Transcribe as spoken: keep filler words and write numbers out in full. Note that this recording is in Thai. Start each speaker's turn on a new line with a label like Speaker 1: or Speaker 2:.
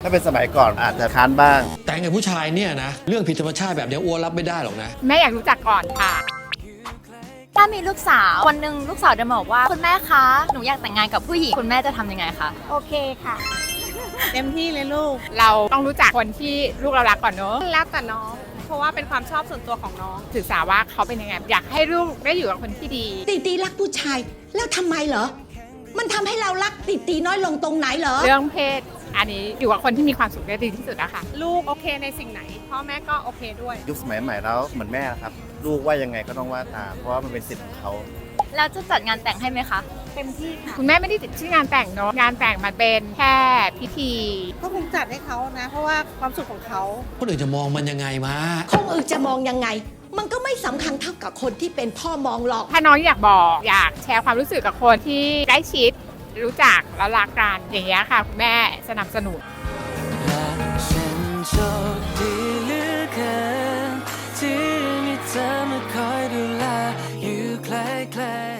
Speaker 1: ถ้าเป็นสมัยก่อนอาจจะค้านบ้าง
Speaker 2: แต่งกับผู้ชายเนี่ยนะเรื่องผิดธรรมชาติแบบเนี้ยอ้วนรับไม่ได้หรอกนะ
Speaker 3: แม่อยากรู้จักก่อนค่ะ
Speaker 4: ถ้ามีลูกสาววันหนึ่งลูกสาวเดินมาบอกว่าคุณแม่คะหนูอยากแต่งงานกับผู้หญิงคุณแม่จะทำยังไงคะ
Speaker 5: โอเคค่ะเต็มที่เลยลูก
Speaker 3: เราต้องรู้จักคนที่ลูกเรารักก่อนเนอะ
Speaker 5: แล้วแต่น้องเพราะว่าเป็นความชอบส่วนตัวของน้อง
Speaker 3: ศึกษาว่าเขาเป็นยังไงอยากให้ลูกได้อยู่กับคนที่ดี
Speaker 6: ตีตีรักผู้ชายแล้วทำไมเหรอมันทำให้เรารักตีตีน้อยลงตรงไหนเหรอ
Speaker 3: เรื่องเพศอันนี้อยู่กับคนที่มีความสุขได้ดีที่สุดนะคะ
Speaker 5: ลูกโอเคในสิ่งไหนพ่อแม่ก็โอเคด้วย
Speaker 1: ยุคสมัยใหม่แล้วเหมือนแม่ครับลูกว่ายังไงก็ต้องว่าตามเพราะว่ามันเป็นสิทธิ์ของเขา
Speaker 4: แล้วจะจัดงานแต่งให้ไหมคะ
Speaker 5: เต็มที่ค่ะ
Speaker 3: คุณแม่ไม่ได้ติดชื่องานแต่งเนาะงานแต่งมันเป็นแค่พิธี
Speaker 5: ก็คงจัดให้เขานะเพราะว่าความสุขของเขา
Speaker 2: คนอื่นจะมองมันยังไงมา
Speaker 6: คนอื่นจะมองยังไงมันก็ไม่สำคัญเท่ากับคนที่เป็นพ่อมองหรอก
Speaker 3: ถ้าน้องอยากบอกอยากแชร์ความรู้สึกกับคนที่ใกล้ชิดรู้จักแล้วรักกันอย่างเงี้ยค่ะคุณแม่สนับสนุน
Speaker 7: และฉันโชคดีเหลือเกินที่มีเธอมาคอยดูแลอยู่ใกล้ๆ